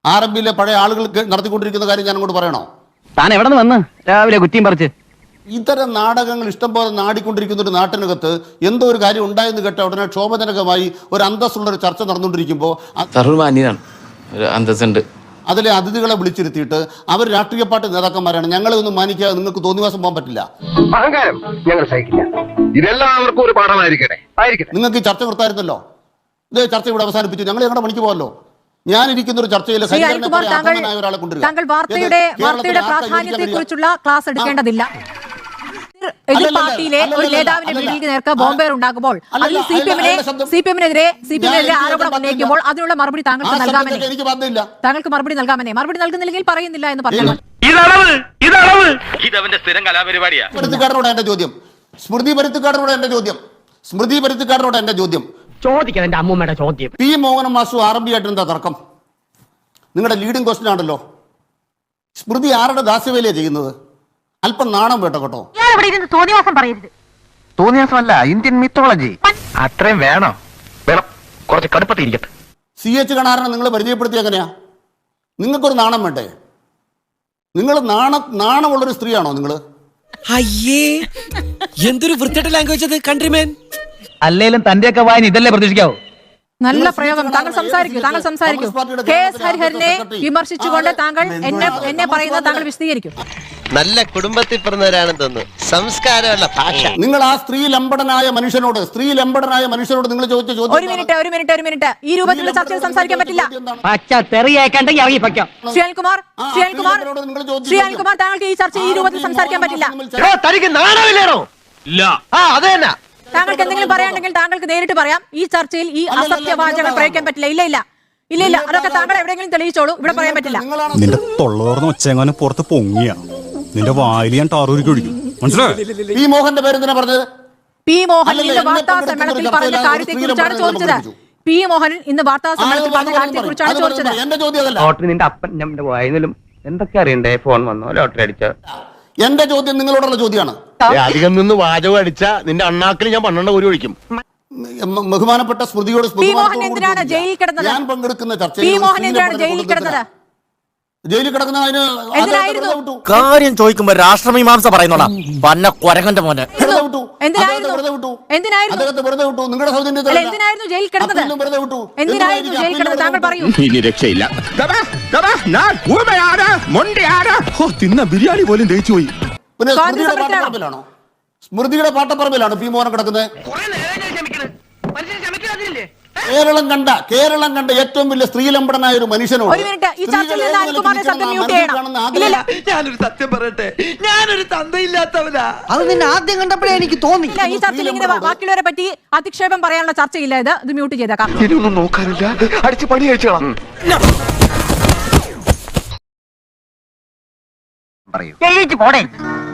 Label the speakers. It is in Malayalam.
Speaker 1: ആർഎംപിയിലെ പഴയ ആളുകൾക്ക് നടത്തിക്കൊണ്ടിരിക്കുന്ന കാര്യം ഞാൻ അങ്ങോട്ട് പറയണോ?
Speaker 2: താൻ എവിടെ നിന്ന് വന്ന് രാവിലെ കുറ്റിയും പറിച്ച്?
Speaker 1: ഇത്തരം നാടകങ്ങൾ ഇഷ്ടംപോലെ നാടിക്കൊണ്ടിരിക്കുന്ന ഒരു നാട്ടിനകത്ത് എന്തോ ഒരു കാര്യം ഉണ്ടായെന്ന് കേട്ട ഉടനെ ക്ഷോഭജനകമായി ഒരു അന്തസ്സുള്ള ഒരു ചർച്ച നടന്നുകൊണ്ടിരിക്കുമ്പോൾ അതിലെ അതിഥികളെ വിളിച്ചിരുത്തിയിട്ട് അവർ രാഷ്ട്രീയ പാർട്ടി നേതാക്കന്മാരാണ്, ഞങ്ങളെ ഒന്നും മാനിക്കാതെ നിങ്ങൾക്ക് തോന്നിവാസം പോകാൻ പറ്റില്ല.
Speaker 3: അഹങ്കാരം ഞങ്ങൾ സഹിക്കില്ല. ഇതെല്ലാവർക്കും ഒരു പാഠമായിരിക്കട്ടെ.
Speaker 1: നിങ്ങൾക്ക് ഈ ചർച്ച നിർത്തായിരുന്നല്ലോ. ഇതേ ചർച്ച ഇവിടെ അവസാനിപ്പിച്ചു, ഞങ്ങൾ ഞങ്ങളുടെ പണിക്ക് പോകല്ലോ. ഞാനിരിക്കുന്ന ഒരു ചർച്ചയിൽ
Speaker 4: താങ്കൾ വാർത്തയുടെ പ്രാധാന്യത്തെ കുറിച്ചുള്ള ക്ലാസ് എടുക്കേണ്ടതില്ല. എതിർ പാർട്ടിയിലെ ഒരു നേതാവിന്റെ വീട്ടിലേക്ക് നേർക്ക് ബോംബേർ ഉണ്ടാകുമ്പോൾ അതിൽ സിപിഎമ്മിനെതിരെ ആരോപണം ഉന്നയിക്കുമ്പോൾ അതിനുള്ള മറുപടി താങ്കൾക്ക് നൽകാമെന്നേ. താങ്കൾക്ക് മറുപടി നൽകാമെന്നേ. മറുപടി നൽകുന്നില്ലെങ്കിൽ പറയുന്നില്ല എന്ന് പറഞ്ഞു.
Speaker 1: എന്റെ ചോദ്യം സ്മൃതി പരുത്തിക്കാരനോട് എന്റെ ചോദ്യം
Speaker 2: ചോദിക്കണം. എന്റെ അമ്മൂമ്മയുടെ ചോദ്യം.
Speaker 1: പി മോഹനൻ മാസ്റ്റർ ആർഎംപി ആയിട്ട് എന്താ തർക്കം? നിങ്ങളുടെ ലീഡിംഗ് ക്വസ്റ്റ്യൻ ആണല്ലോ. സ്മൃതി ആരുടെ ദാസ്യവേലയാണ് ചെയ്യുന്നത്? അല്പം നാണം വേട്ടോ കേട്ടോ.
Speaker 5: തോന്നിവാസം പറയരുത്.
Speaker 3: തോന്നിയാസമല്ല, ഇന്ത്യൻ മിത്തോളജി. അത്രയും വേണം. കുറച്ച് കടുപ്പത്തിരിക്കട്ടെ.
Speaker 1: CH കണാരനെ നിങ്ങൾ പരിചയപ്പെടുത്തിയ എങ്ങനെയാ? നിങ്ങൾക്കൊരു നാണം വേണ്ടേ? നിങ്ങൾ നാണമുള്ളൊരു സ്ത്രീയാണോ നിങ്ങൾ?
Speaker 6: അയ്യേ, എന്തൊരു വൃത്തിയുടെ ലാംഗ്വേജ് അത് കൺട്രിമേൻ.
Speaker 2: അല്ലേലും തന്റെയൊക്കെ വായന ഇതല്ലേ പ്രതീക്ഷിക്കാവൂ.
Speaker 4: നല്ല പ്രയോഗം. താങ്കൾ സംസാരിക്കൂ. KS ഹരിഹരനെ വിമർശിച്ചുകൊണ്ട് താങ്കൾ എന്നെ പറയുന്നത് താങ്കൾ വിശദീകരിക്കും.
Speaker 7: നല്ല കുടുംബത്തിൽ പിറന്നവരാണെന്ന് തോന്നുന്നു. സംസ്കാരമുള്ള ഭാഷ.
Speaker 1: നിങ്ങൾ ആ സ്ത്രീ ലംബടനായ മനുഷ്യനോട് നിങ്ങൾ ചോദിച്ച ചോദ്യം.
Speaker 4: ഒരു മിനിറ്റ്. ഈ രൂപത്തിലുള്ള ചർച്ചയിൽ സംസാരിക്കാൻ പറ്റില്ല. ശ്രീകുമാർ, താങ്കൾക്ക് ഈ ചർച്ച ഈ രൂപത്തിൽ സംസാരിക്കാൻ പറ്റില്ല. താങ്കൾക്ക് എന്തെങ്കിലും പറയാനുണ്ടെങ്കിൽ താങ്കൾക്ക് നേരിട്ട് പറയാം. ഈ ചർച്ചയിൽ ഈ അസത്യവാചകം പ്രയോഗിക്കാൻ പറ്റില്ല. ഇല്ല. അതൊക്കെ താങ്കൾ എവിടെയെങ്കിലും തെളിയിച്ചോളൂ. ഇവിടെ പറയാൻ പറ്റില്ല.
Speaker 8: നിന്റെ തൊള്ളോർന്ന് ഒച്ചെങ്ങാനും പുറത്ത് പൊങ്ങിയ നിന്റെ വായിൽ ഞാൻ ടാറൂരിക്ക് ഒഴിക്കും. മനസ്സിലായോ?
Speaker 1: പി മോഹന്റെ പേര് എന്തിനാ പറഞ്ഞത്?
Speaker 4: പി മോഹൻ ഇന്ന് വാർത്താ സമ്മേളനത്തിൽ പറഞ്ഞ കാര്യത്തെക്കുറിച്ചാണ് ചോദിച്ചത്. പി മോഹൻ ഇന്ന് വാർത്താ സമ്മേളനത്തിൽ പറഞ്ഞ കാര്യത്തെക്കുറിച്ചാണ് ചോദിച്ചത്.
Speaker 1: എന്റെ ചോദ്യം അതല്ല.
Speaker 2: ലോട്ടറി നിന്റെ അപ്പൻ നമ്മുടെ വായനലും എന്തൊക്കെ അറിയണ്ടേ? ഫോൺ വന്നോ, ലോട്ടറി അടിച്ചോ?
Speaker 1: എന്റെ ചോദ്യം നിങ്ങളോടുള്ള ചോദ്യമാണ്.
Speaker 3: അധികം നിന്ന് വാചകം അടിച്ച നിന്റെ അണ്ണാക്കിൽ ഞാൻ 12 ഒരു ഒഴിക്കും.
Speaker 1: ബഹുമാനപ്പെട്ട സ്മൃതിയോട്
Speaker 4: എന്തിനാണ് ജയിലിൽ കിടന്നത്?
Speaker 1: ഞാൻ പങ്കെടുക്കുന്ന ചർച്ചയിൽ
Speaker 4: ജയിലിൽ കിടന്നത്
Speaker 6: കാര്യം ചോദിക്കുമ്പോ രാഷ്ട്രമീമാംസ പറയുന്നോടാ പന്ന കൊരങ്ങന്റെ മോനെ.
Speaker 4: എന്തിനായിരുന്നു ജയിലിൽ കിടന്നത്? താങ്കൾ പറയൂ.
Speaker 3: ഇനി രക്ഷയില്ല.
Speaker 8: തിന്ന ബിരിയാണി പോലും ദഹിച്ചു പോയി.
Speaker 1: സ്മൃതിയുടെ പാട്ടപ്പറമ്പിലാണ് പി മോഹൻ കിടക്കുന്നത്. കേരളം കണ്ട ഏറ്റവും വലിയ സ്ത്രീലംബടനായ ഒരു മനുഷ്യനോട്
Speaker 6: ഞാനൊരു സത്യം പറയട്ടെ, ഞാനൊരു തന്തയില്ലാത്തവനാ. അത് നിന്നെ ആദ്യം കണ്ടപ്പോഴേ എനിക്ക് തോന്നി.
Speaker 4: ഈ ചർച്ചയിൽ ഇങ്ങനെ ബാക്കിയുള്ളവരെ പറ്റി അധിക്ഷേപം പറയാനുള്ള ചർച്ചയില്ല. ഇത് മ്യൂട്ട് ചെയ്തേക്കാം.
Speaker 3: ഇതൊന്നും നോക്കാനില്ല, അടിച്ച് പണി കഴിച്ചോളാം.
Speaker 2: പോടേ.